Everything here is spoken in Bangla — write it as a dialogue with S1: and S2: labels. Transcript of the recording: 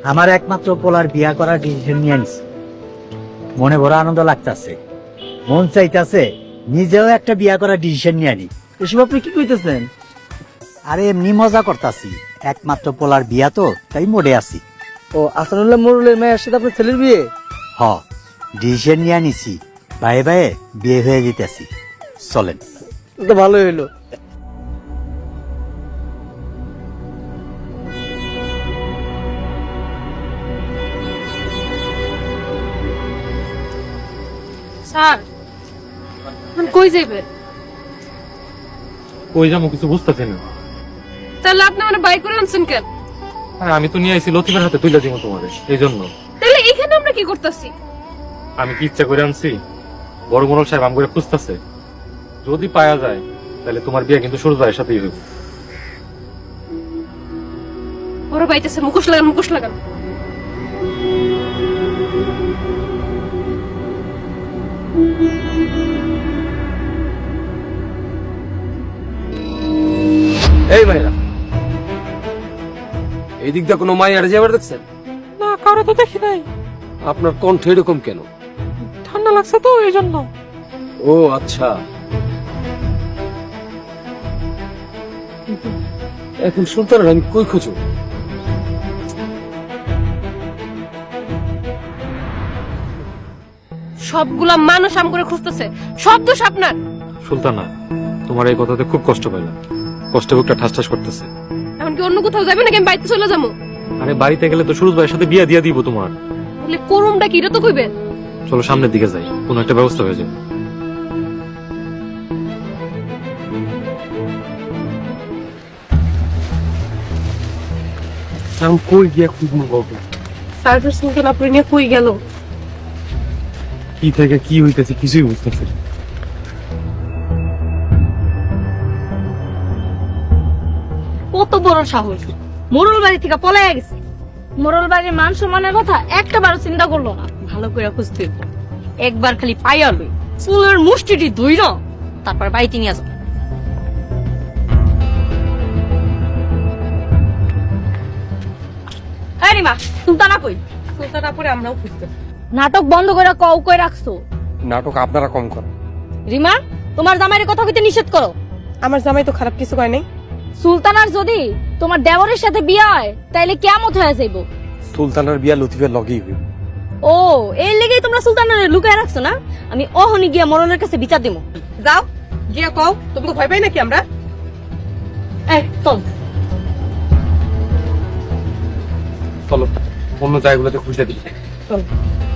S1: আমার একমাত্র পোলার বিয়া করার ডিসিশন নিয়ে আনিস। মনে বড় আনন্দ লাগতাছে, মন চাইতাছে নিজেও একটা বিয়া করার ডিসিশন নিয়ে আনি।
S2: এসব আপনি কি কইতেছেন?
S1: আরে এমনি মজা করতাছি, একমাত্র পোলার বিয়া তো তাই মোড়ে আছি।
S2: ও আসানুল্লাহ মোরলের মেয়ের সাথে আপনার ছেলের বিয়ে?
S1: হ, ডিসিশন নিয়ে আনিছি, বায়ে বায়ে বিয়ে হয়ে যেতেছি। চলেন।
S2: তো ভালোই হইলো।
S3: স্যার কই যাইবেন?
S4: কই যাবো কিছু বুঝতেছি না।
S3: তাহলে আপনি মানে বাইক করে আনছেন কেন?
S4: হ্যাঁ, আমি তো নিয়ে আইছি লতিফের হাতে তুইলা দিব তোমাদের, এই জন্য।
S3: তাহলে এখানে আমরা কি করতেছি?
S4: আমি কি ইচ্ছা করে আনছি? বড় মোড়ল সাহেব আম করে খুঁজতেছে, যদি পাওয়া যায় তাহলে তোমার বিয়ে কিন্তু সুরজ ভাইয়ের সাথেই হবে।
S3: ওরা বাইতেছে, মুখোশ লাগান, মুখোশ লাগান।
S5: এই ভাইরা, এই দিক দিয়ে কোনো মাইয়ার যাবার দেখছেন?
S6: না, কারো তো দেখি নাই।
S5: আপনার কণ্ঠ এরকম কেন?
S6: ঠান্ডা লাগছে তো এই জন্য।
S5: ও আচ্ছা, এখন সুলতানের আমি কই খুঁজো?
S3: সবগুলা মানুষ আম করে খুঁজতেছে, সব দোষ আপনার।
S4: সুলতানা, তোমার এই কথাতে খুব কষ্ট পাইলাম, কষ্ট বুকটা ঠাস ঠাস করতেছে।
S3: এমনকি অন্য কোথাও যাবে নাকি আমি বাড়িতে চলে যাবো?
S4: আরে বাড়িতে গেলে তো সুরজ ভাইয়ের সাথে বিয়ে দিয়ে দিব তোমার।
S3: বলে করুমটা কি এটা তো কইবেন।
S4: চলো সামনের দিকে যাই, কোনো একটা ব্যবস্থা হয়ে যাবে।
S5: আমি কই গিয়া খুঁজবো বাবু?
S3: সার্ভিস সিঙ্গেল আপনি নিয়ে কই গেল?
S4: কি থেকে কি হইতেছে কিছুই বুঝতেছি না।
S7: কত বড় সাহস, মোরল বাড়ি থেকে পলাইয়া গেছে। মোরল বাড়ির মান সম্মানের কথা একটা বারো চিন্তা করলো না। ভালো করে খুঁজতে হইব। একবার খালি পাইয়া লই, চুলের মুষ্টিটি ধুইল, তারপর বাড়িতে নিয়ে যাবো। এই রিমা, সুলতানা কই?
S3: সুলতানা পরে আমরাও খুঁজতেছি।
S7: নাটক বন্ধ করে কও কই রাখছো?
S5: নাটক আপনারা কম করেন।
S7: রিমা, তোমার জামাইয়ের কথা কইতে নিষেধ করো।
S3: আমার জামাই তো খারাপ কিছু কয় নাই।
S7: সুলতানার যদি তোমার দেওরের সাথে বিয়ে হয় তাইলে কিয়ামত হয়ে যাইব।
S5: সুলতানের বিয়া লতিফের লগেই হইব।
S7: ও, এই লেগেই তোমরা সুলতানারে লুকায় রাখছো না? আমি অহনি গিয়া মরলের কাছে বিচার দিব।
S3: যাও গিয়া কও, তোমাকে ভয় পাই নাকি আমরা?
S7: এই চল।
S5: চলো অন্য জায়গাগুলোতে খুঁজে দিই।
S3: চল।